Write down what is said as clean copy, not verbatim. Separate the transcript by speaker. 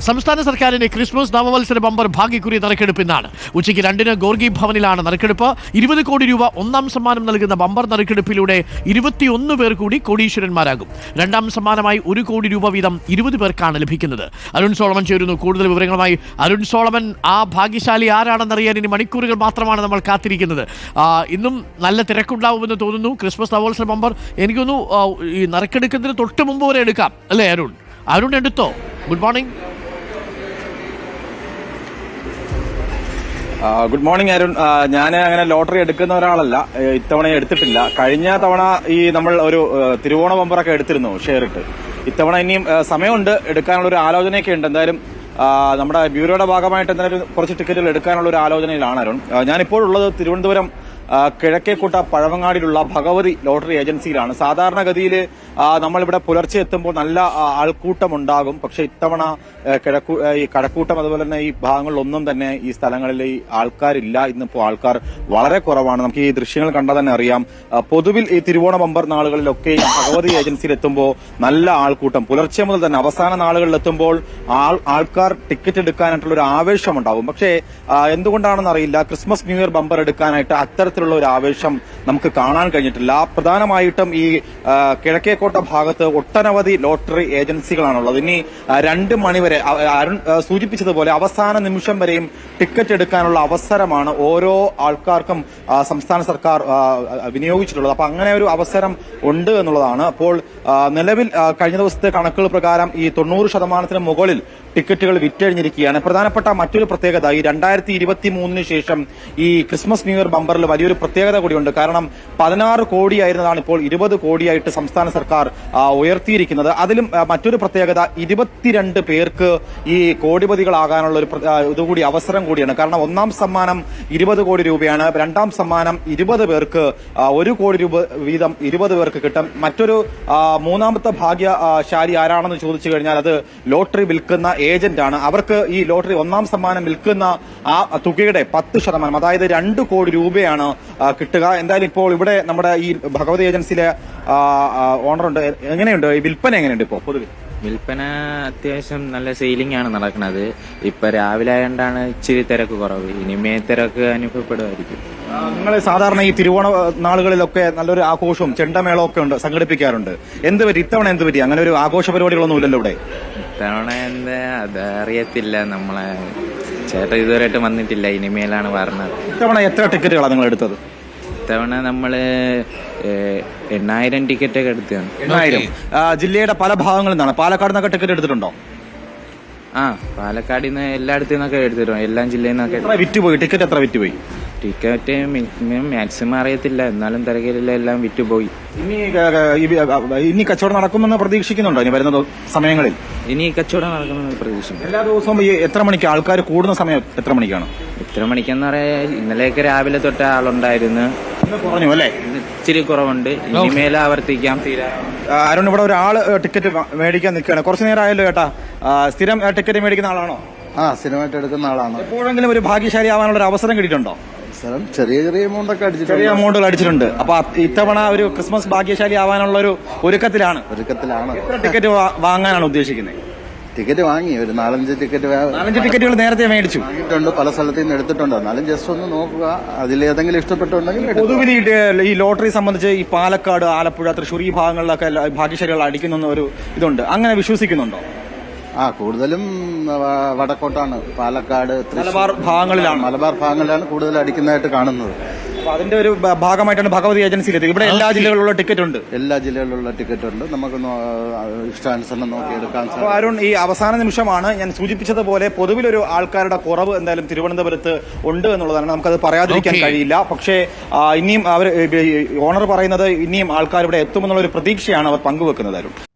Speaker 1: സംസ്ഥാന സർക്കാരിന്റെ Christmas നവവത്സര bumper ഭാഗ്യക്കുറി നറുക്കെടുപ്പ് ഇന്നാണ്. ഉച്ചയ്ക്ക് 2-ന് ഗോർഗി ഭവനിലാണ് നറുക്കെടുപ്പ്. 20 കോടി രൂപ ഒന്നാം സമ്മാനം നൽകുന്ന ബമ്പർ നറുക്കെടുപ്പിലൂടെ 21 പേർ കൂടി കോടീശ്വരന്മാരാകും. രണ്ടാം സമ്മാനമായി 1 കോടി രൂപ വീതം 20 പേർക്കാണ് ലഭിക്കുന്നത്. അരുൺ സോളമൻ ചേരുന്നു കൂടുതൽ വിവരങ്ങളുമായി. അരുൺ സോളമൻ, ആ ഭാഗ്യശാലി ആരാണെന്നറിയാൻ ഇനി മണിക്കൂറുകൾ മാത്രമാണ് നമ്മൾ കാത്തിരിക്കുന്നത്. ഇന്നും നല്ല തിരക്കുണ്ടാവുമെന്ന് തോന്നുന്നു. ക്രിസ്മസ് നവവത്സര ബമ്പർ എനിക്ക് തോന്നുന്നു ഈ നറുക്കെടുക്കുന്നതിന് തൊട്ട് മുമ്പ് വരെ എടുക്കാം അല്ലേ അരുൺ എടുത്തോ? Good morning.
Speaker 2: Good morning Arun. ഞാൻ അങ്ങനെ ലോട്ടറി എടുക്കുന്ന ഒരാളല്ല, ഇത്തവണ എടുത്തിട്ടില്ല. കഴിഞ്ഞ തവണ നമ്മൾ ഒരു തിരുവോണ ബമ്പറൊക്കെ എടുത്തിരുന്നു ഷെയർ ഇട്ട്. ഇത്തവണ ഇനിയും സമയമുണ്ട്, എടുക്കാനുള്ള ഒരു ആലോചനയൊക്കെ ഉണ്ട്. എന്തായാലും നമ്മുടെ ബ്യൂറോയുടെ ഭാഗമായിട്ട് എന്തായാലും കുറച്ച് ടിക്കറ്റുകൾ എടുക്കാനുള്ള ഒരു ആലോചനയിലാണ് അരുൺ. ഞാനിപ്പോഴുള്ളത് തിരുവനന്തപുരം കിഴക്കേക്കോട്ട പഴവങ്ങാടിയിലുള്ള ഭഗവതി ലോട്ടറി ഏജൻസിയിലാണ്. സാധാരണഗതിയിൽ നമ്മളിവിടെ പുലർച്ചെ എത്തുമ്പോൾ നല്ല ആൾക്കൂട്ടമുണ്ടാകും. പക്ഷെ ഇത്തവണ ഈ കഴക്കൂട്ടം അതുപോലെ തന്നെ ഈ ഭാഗങ്ങളിലൊന്നും തന്നെ ഈ സ്ഥലങ്ങളിൽ ഈ ആൾക്കാരില്ല. ഇന്നിപ്പോൾ ആൾക്കാർ വളരെ കുറവാണ്. നമുക്ക് ഈ ദൃശ്യങ്ങൾ കണ്ടാൽ തന്നെ അറിയാം. പൊതുവിൽ ഈ തിരുവോണ ബമ്പർ നാളുകളിലൊക്കെ ഈ ഭഗവതി ഏജൻസിയിൽ എത്തുമ്പോൾ നല്ല ആൾക്കൂട്ടം, പുലർച്ചെ മുതൽ തന്നെ അവസാന നാളുകളിൽ എത്തുമ്പോൾ ആൾക്കാർ ടിക്കറ്റ് എടുക്കാനായിട്ടുള്ള ഒരു ആവേശമുണ്ടാകും. പക്ഷേ എന്തുകൊണ്ടാണെന്ന് അറിയില്ല, ക്രിസ്മസ് ന്യൂ ഇയർ ബമ്പർ എടുക്കാനായിട്ട് അത്തരത്തിലുള്ള ഒരു ആവേശം നമുക്ക് കാണാൻ കഴിഞ്ഞിട്ടില്ല. പ്രധാനമായിട്ടും ഈ കിഴക്കേക്കോട്ട ഭാഗത്ത് ഒട്ടനവധി ലോട്ടറി ഏജൻസികളാണുള്ളത്. ഇനി 2 മണിവരെ അരുൺ സൂചിപ്പിച്ചതുപോലെ അവസാന നിമിഷം വരെയും ടിക്കറ്റ് എടുക്കാനുള്ള അവസരമാണ് ഓരോ ആൾക്കാർക്കും സംസ്ഥാന സർക്കാർ വിനിയോഗിച്ചിട്ടുള്ളത്. അപ്പൊ അങ്ങനെ ഒരു അവസരം ഉണ്ട് എന്നുള്ളതാണ്. അപ്പോൾ നിലവിൽ കഴിഞ്ഞ ദിവസത്തെ കണക്കുകൾ പ്രകാരം ഈ 90% മുകളിൽ ടിക്കറ്റുകൾ വിറ്റഴിഞ്ഞിരിക്കുകയാണ്. പ്രധാനപ്പെട്ട മറ്റൊരു പ്രത്യേകത, ഈ 2023 ശേഷം ഈ ക്രിസ്മസ് ന്യൂ ഇയർ ബമ്പറിൽ വലിയൊരു പ്രത്യേകത കൂടിയുണ്ട്. കാരണം 16 കോടിയായിരുന്നതാണ് ഇപ്പോൾ 20 കോടിയായിട്ട് സംസ്ഥാന സർക്കാർ ഉയർത്തിയിരിക്കുന്നത്. അതിലും മറ്റൊരു പ്രത്യേകത, 22 പേർക്ക് ഈ കോടിപതികളാകാനുള്ള ഒരു ഇതുകൂടി അവസരം കൂടിയാണ്. കാരണം ഒന്നാം സമ്മാനം 20 കോടി രൂപയാണ്, രണ്ടാം സമ്മാനം 20 പേർക്ക് 1 കോടി രൂപ വീതം 20 പേർക്ക് കിട്ടും. മറ്റൊരു മൂന്നാമത്തെ ഭാഗ്യശാലി ആരാണെന്ന് ചോദിച്ചു കഴിഞ്ഞാൽ അത് ലോട്ടറി വിൽക്കുന്ന ഏജന്റ് ആണ്. അവർക്ക് ഈ ലോട്ടറി ഒന്നാം സമ്മാനം വിൽക്കുന്ന ആ തുകയുടെ 10%, അതായത് 2 കോടി രൂപയാണ് കിട്ടുക. എന്തായാലും ഇപ്പോൾ ഇവിടെ നമ്മുടെ ഈ ഭഗവതി ഏജൻസിയിലെ ഓണറുണ്ട്. എങ്ങനെയുണ്ട് ഈ വിൽപ്പന? എങ്ങനെയുണ്ട് ഇപ്പോൾ പൊതുവെ?
Speaker 3: വിൽപ്പന അത്യാവശ്യം നല്ല സെയിലിംഗ് ആണ് നടക്കുന്നത്. ഇപ്പൊ രാവിലെ ആയതുകൊണ്ടാണ് ഇച്ചിരി തിരക്ക് കുറവ്. ഇനിമേ തിരക്ക് അനുഭവപ്പെടുമായിരിക്കും.
Speaker 2: നിങ്ങൾ സാധാരണ ഈ തിരുവോണ നാളുകളിലൊക്കെ നല്ലൊരു ആഘോഷവും ചെണ്ടമേളവും ഒക്കെ ഉണ്ട്, സംഘടിപ്പിക്കാറുണ്ട്. എന്ത് പറ്റി ഇത്തവണ? എന്ത് പറ്റി അങ്ങനെ ഒരു ആഘോഷ പരിപാടികളൊന്നും ഇല്ലല്ലോ ഇവിടെ?
Speaker 3: ഇത്തവണ എന്താ അതറിയത്തില്ല, നമ്മളെ ചേട്ടൻ ഇതുവരെയായിട്ട് വന്നിട്ടില്ല. ഇനിമേലാണ് പറഞ്ഞത്.
Speaker 2: ഇത്തവണ എത്ര ടിക്കറ്റുകളാണ് നിങ്ങൾ എടുത്തത്?
Speaker 3: ഇത്തവണ നമ്മള് 8,000 ടിക്കറ്റൊക്കെ എടുത്തതാണ്.
Speaker 2: 8,000. ജില്ലയുടെ പല ഭാഗങ്ങളിൽ നിന്നാണ്. പാലക്കാട് നിന്നൊക്കെ ടിക്കറ്റ് എടുത്തിട്ടുണ്ടോ?
Speaker 3: പാലക്കാട് നിന്ന് എല്ലായിടത്തു നിന്നൊക്കെ എടുത്തിട്ടുണ്ട്, എല്ലാ ജില്ലയിൽ നിന്നൊക്കെ.
Speaker 2: വിറ്റുപോയി ടിക്കറ്റ്? എത്ര വിറ്റുപോയി?
Speaker 3: ടിക്കറ്റ് മാക്സിമം അറിയത്തില്ല, എന്നാലും തിരക്കില്ല, എല്ലാം വിറ്റുപോയി.
Speaker 2: ഇനി കച്ചവടം നടക്കുമെന്ന് പ്രതീക്ഷിക്കുന്നുണ്ടോ ഇനി വരുന്ന സമയങ്ങളിൽ?
Speaker 3: ഇനി കച്ചവടം നടക്കുമെന്ന് പ്രതീക്ഷിക്കുന്നു.
Speaker 2: എല്ലാ ദിവസവും എത്ര മണിക്ക് ആൾക്കാർ കൂടുന്ന സമയം എത്ര മണിക്കാണ്?
Speaker 3: എത്ര മണിക്കെന്ന് പറയാ, ഇന്നലെയൊക്കെ രാവിലെ തൊട്ട് ആളുണ്ടായിരുന്നു.
Speaker 2: കുറഞ്ഞു അല്ലേ?
Speaker 3: ഇച്ചിരി കുറവുണ്ട്. ഇനിമേൽ ആവർത്തിക്കാം.
Speaker 2: അരുൺ, ഇവിടെ ഒരാള് ടിക്കറ്റ് മേടിക്കാൻ നിൽക്കുകയാണ്. കുറച്ചു നേരം ആയല്ലോ ചേട്ടാ. സ്ഥിരം ടിക്കറ്റ് മേടിക്കുന്ന ആളാണോ?
Speaker 4: സ്ഥിരമായിട്ട് എടുക്കുന്ന ആളാണ്.
Speaker 2: എപ്പോഴെങ്കിലും ഒരു ഭാഗ്യശാലി ആവാനുള്ള ഒരു അവസരം കിട്ടിയിട്ടുണ്ടോ?
Speaker 4: ചെറിയ എമൗണ്ട് ഒക്കെ അടിച്ചിട്ടുണ്ട്.
Speaker 2: ചെറിയ എമൗണ്ടുകൾ അടിച്ചിട്ടുണ്ട്. അപ്പൊ ഇത്തവണ ഒരു ക്രിസ്മസ് ഭാഗ്യശാലി ആവാനുള്ള ഒരു ഒരുക്കത്തിലാണ്. എത്ര ടിക്കറ്റ് വാങ്ങാനാണ് ഉദ്ദേശിക്കുന്നത്?
Speaker 4: ടിക്കറ്റ് വാങ്ങി ഒരു 4-5 ടിക്കറ്റ്.
Speaker 2: 4-5 ടിക്കറ്റുകൾ നേരത്തെ മേടിച്ചു
Speaker 4: വാങ്ങിയിട്ടുണ്ട്, പല സ്ഥലത്തു നിന്ന് എടുത്തിട്ടുണ്ട്. എന്നാലും ജസ്റ്റ് ഒന്ന് നോക്കുക, അതിലേതെങ്കിലും ഇഷ്ടപ്പെട്ടുണ്ടെങ്കിൽ.
Speaker 2: പൊതുവിൽ ഈ ലോട്ടറി സംബന്ധിച്ച് ഈ പാലക്കാട്, ആലപ്പുഴ, തൃശ്ശൂർ ഈ ഭാഗങ്ങളിലൊക്കെ ഭാഗ്യശാലികൾ അടിക്കുന്ന ഒരു ഇതുണ്ട്. അങ്ങനെ വിശ്വസിക്കുന്നുണ്ടോ?
Speaker 4: കൂടുതലും വടക്കോട്ടാണ്, പാലക്കാട്,
Speaker 2: മലബാർ
Speaker 4: ഭാഗങ്ങളിലാണ് കൂടുതൽ അടിക്കുന്നതായിട്ട് കാണുന്നത്.
Speaker 2: അപ്പൊ അതിന്റെ ഒരു ഭാഗമായിട്ടാണ് ഭഗവതി ഏജൻസിയിലെത്തി. ഇവിടെ എല്ലാ ജില്ലകളിലുള്ള ടിക്കറ്റ് ഉണ്ട്.
Speaker 4: എല്ലാ ജില്ലകളിലുള്ള ടിക്കറ്റ് ഉണ്ട്. നമുക്ക് ഇഷ്ടാനുസരണം നോക്കി എടുക്കാൻ സാധിക്കും.
Speaker 2: അരുൺ, ഈ അവസാന നിമിഷമാണ് ഞാൻ സൂചിപ്പിച്ചതുപോലെ പൊതുവിലൊരു ആൾക്കാരുടെ കുറവ് എന്തായാലും തിരുവനന്തപുരത്ത് ഉണ്ട് എന്നുള്ളതാണ്. നമുക്കത് പറയാതിരിക്കാൻ കഴിയില്ല. പക്ഷേ ഇനിയും ഓണർ പറയുന്നത് ഇനിയും ആൾക്കാർ ഇവിടെ എത്തുമെന്നുള്ള ഒരു പ്രതീക്ഷയാണ് അവർ പങ്കുവെക്കുന്നത്. അരുൺ.